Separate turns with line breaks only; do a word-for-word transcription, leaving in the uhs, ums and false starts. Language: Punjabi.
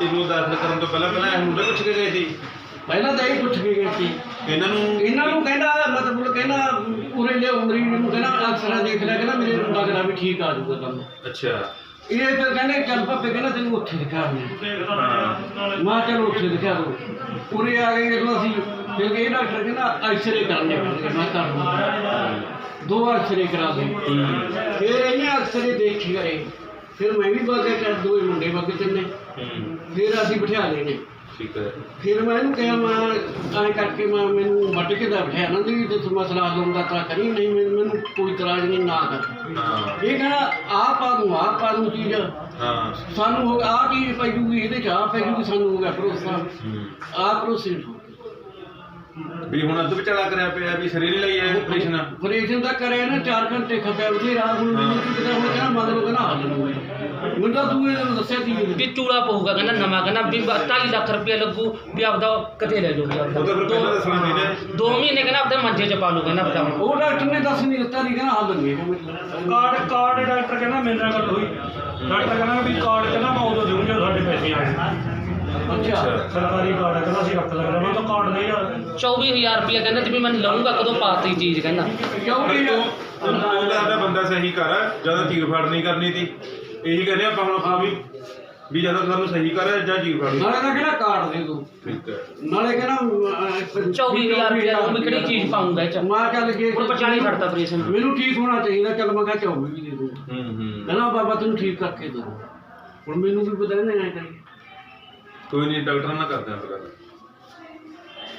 ਤੈਨੂੰ ਦਾਖਲ ਕਰਨ ਤੋਂ ਪਹਿਲਾਂ ਪਹਿਲਾਂ ਇਹ ਮੁੰਡੇ ਪੁੱਛ ਕੇ ਗਏ ਸੀ?
ਪਹਿਲਾਂ ਤਾਂ ਇਹ ਪੁੱਛ ਕੇ ਗਏ ਸੀ
ਇਹਨਾਂ ਨੂੰ
ਇਹਨਾਂ ਨੂੰ ਕਹਿੰਦਾ ਮਤਲਬ ਕਹਿੰਦਾ ਪੂਰੇ ਲਿਆਓ ਮਰੀਜ਼ ਨੂੰ ਕਹਿੰਦਾ ਅਕਸਰਾਂ ਦੇਖ ਲਿਆ ਕਹਿੰਦਾ ਮੇਰੇ ਨੂੰ ਲੱਗਦਾ ਵੀ ਠੀਕ ਆ ਜਾਊਗਾ ਕੰਮ।
ਅੱਛਾ
ਇਹ ਫਿਰ ਕਹਿੰਦੇ ਚੱਲ ਭਾਪੇ ਕਹਿੰਦਾ ਤੈਨੂੰ ਉੱਥੇ ਦਿਖਾ ਦਿੰਦੇ। ਮੈਂ ਚਲੋ ਉੱਥੇ ਦਿਖਾ ਦੋ। ਪੂਰੇ ਆ ਗਏ ਜਦੋਂ ਅਸੀਂ ਫਿਰ ਇਹ ਡਾਕਟਰ ਕਹਿੰਦਾ ਐਕਸਰੇ ਕਰਨੇ ਪੈਣਗੇ। ਮੈਂ ਕਰ ਦੂੰਗਾ ਦੋ ਐਕਸਰੇ ਕਰਾ ਦੇ। ਫਿਰ ਇਹਨੇ ਐਕਸਰੇ ਦੇਖੀ ਗਏ। ਫਿਰ ਮੈਂ ਵੀ ਬਾਗੇ ਕਰ ਦੋ ਮੁੰਡੇ ਬਾਗੇ ਤਿੰਨੇ। ਫਿਰ ਅਸੀਂ ਬਿਠਾ ਲਏ ਨੇ।
ਠੀਕ ਹੈ।
ਫਿਰ ਮੈਂ ਇਹਨੂੰ ਕਿਹਾ ਮੈਂ ਐਂ ਕਰਕੇ ਮੈਂ ਮੈਨੂੰ ਵੱਢ ਕੇ ਦਾ ਬਿਠਾਇਆ ਨਾ ਵੀ ਤੇ ਮਸਲਾ ਲਾਉਂਦਾ ਤਾਂ ਕਰੀ ਨਹੀਂ ਮੈਨੂੰ ਕੋਈ ਇਤਰਾਜ਼ ਨਹੀਂ ਨਾ ਕਰ।
ਹਾਂ
ਇਹ ਕਹਿੰਦਾ ਆਹ ਪਾ ਦੂੰ ਆਹ ਪਾ ਦੂੰ ਚੀਜ਼
ਹਾਂ
ਸਾਨੂੰ ਹੋ ਆਹ ਚੀਜ਼ ਪੈ ਜੂਗੀ ਇਹਦੇ ਚ ਆਹ ਪੈ ਜੂਗੀ ਸਾਨੂੰ ਹੋ ਗਿਆ ਭਰੋਸਾ ਆਹ ਭਰੋਸੇ
ਵੀ ਹੁਣ ਅੱਧ ਵਿਚਾਲਾ ਕਰਿਆ ਪਿਆ ਵੀ ਸਰੀਰ ਲਈ ਇਹ ਆਪਰੇਸ਼ਨ
ਆਪਰੇਸ਼ਨ ਤਾਂ ਕਰਿਆ ਨਾ ਚਾਰ ਘੰਟੇ ਖਪਿਆ ਬਥੇਰਾ ਹੁਣ ਮੈਨੂੰ ਕੀ ਪਤਾ ਹੁਣ ਕਹਿੰਦਾ ਮਤਲਬ ਕਹਿੰਦਾ ਹੱਲ ਲੂਗਾ ਮੈਨੂੰ ਤਾਂ ਤੂੰ ਇਹਨੂੰ ਦੱਸਿਆ ਸੀ
ਵੀ ਚੂੜਾ ਪਊਗਾ ਕਹਿੰਦਾ ਨਵਾਂ ਕਹਿੰਦਾ ਵੀ ਢਾਈ ਲੱਖ ਰੁਪਇਆ ਲੱਗੂ ਵੀ ਆਪਦਾ ਕਿਤੇ ਲੈ ਜਾਓ ਵੀ ਆਪਦਾ
ਉਹ ਤਾਂ ਫਿਰ ਪਹਿਲਾਂ ਦੱਸਣਾ ਨਹੀਂ ਨੇ
ਦੋ ਮਹੀਨੇ ਕਹਿੰਦਾ ਆਪਦੇ ਮੰਜੇ 'ਚ ਪਾ ਲੂ ਕਹਿੰਦਾ ਆਪਦਾ ਹੁਣ।
ਉਹ ਡਾਕਟਰ ਨੇ ਦੱਸ ਨਹੀਂ ਦਿੱਤਾ ਨਹੀਂ ਕਹਿੰਦਾ ਹੱਲ ਨਹੀਂ ਹੈਗਾ
ਕਾਰਡ ਕਾਰਡ ਡਾਕਟਰ ਕਹਿੰਦਾ ਮੇਰੇ ਨਾਲ ਗੱਲ ਹੋਈ ਡਾਕਟਰ ਕਹਿੰਦਾ ਵੀ ਕਾਰਡ ਕਹਿੰਦਾ ਮੈਂ ਉਦੋਂ ਦੇਊਂ ਜਦੋਂ ਸਾਡੇ ਪੈਸੇ ਆ ਗਏ।
ਅੱਛਾ
ਸਰਕਾਰੀ ਕਾਰਡ ਹੈ ਕਹਿੰਦਾ ਅਸੀਂ ਰੱਖ ਲੱਗਦਾ ਮੈਂ ਤਾਂ ਕਾਰਡ ਨਹੀਂ ਯਾਰ
ਚੌਵੀ ਹਜ਼ਾਰ ਰੁਪਇਆ ਕਹਿੰਦਾ ਤੇ ਵੀ ਮੈਂ ਲਊਂਗਾ ਕਦੋਂ ਪਾਤੀ ਚੀਜ਼ ਕਹਿੰਦਾ।
ਕਿਉਂ ਵੀ
ਉਹਦਾ ਸਾਡਾ ਬੰਦਾ ਸਹੀ ਕਰ ਜਦੋਂ ਚੀਰ ਫੜ ਨਹੀਂ ਕਰਨੀ ਸੀ ਇਹੀ ਕਹਿੰਦੇ ਆਪਾਂ ਹੁਣ ਆ ਵੀ ਵੀ ਜਦੋਂ ਸਾਨੂੰ ਸਹੀ ਕਰ ਜਾਂ ਚੀਰ ਫੜ
ਨਾਲੇ ਤਾਂ ਕਹਿੰਦਾ ਕਾਰਡ ਦੇ ਦੋ
ਠੀਕ ਹੈ।
ਨਾਲੇ ਕਹਿੰਦਾ
ਚੌਵੀ ਹਜ਼ਾਰ ਰੁਪਇਆ ਉਹ ਵੀ ਕਿਹੜੀ ਚੀਜ਼ ਪਾਉਂਗਾ ਇਹ 'ਚ
ਮਾਂ ਚੱਲ ਜੇ
ਹੁਣ ਪਚਾਲੀ ਛੱਡਤਾ ਆਪਰੇਸ਼ਨ।
ਮੈਨੂੰ ਠੀਕ ਹੋਣਾ ਚਾਹੀਦਾ ਚੱਲ ਮੈਂ ਕਿਹਾ ਚੌਵੀ ਵੀ ਦੇ ਦੂੰ
ਹੂੰ ਹੂੰ
ਕਹਿੰਦਾ ਬਾਬਾ ਤੈਨੂੰ ਠੀਕ ਕਰਕੇ ਦੋ ਹੁਣ ਮੈਨੂੰ ਵੀ ਪਤਾ ਨਹੀਂ ਐਂ ਕਰੀ
ਕੋਈ ਨਹੀਂ ਡਾਕਟਰ ਨਾਲ ਕਰਦੇ ਆਂ ਗੱਲ।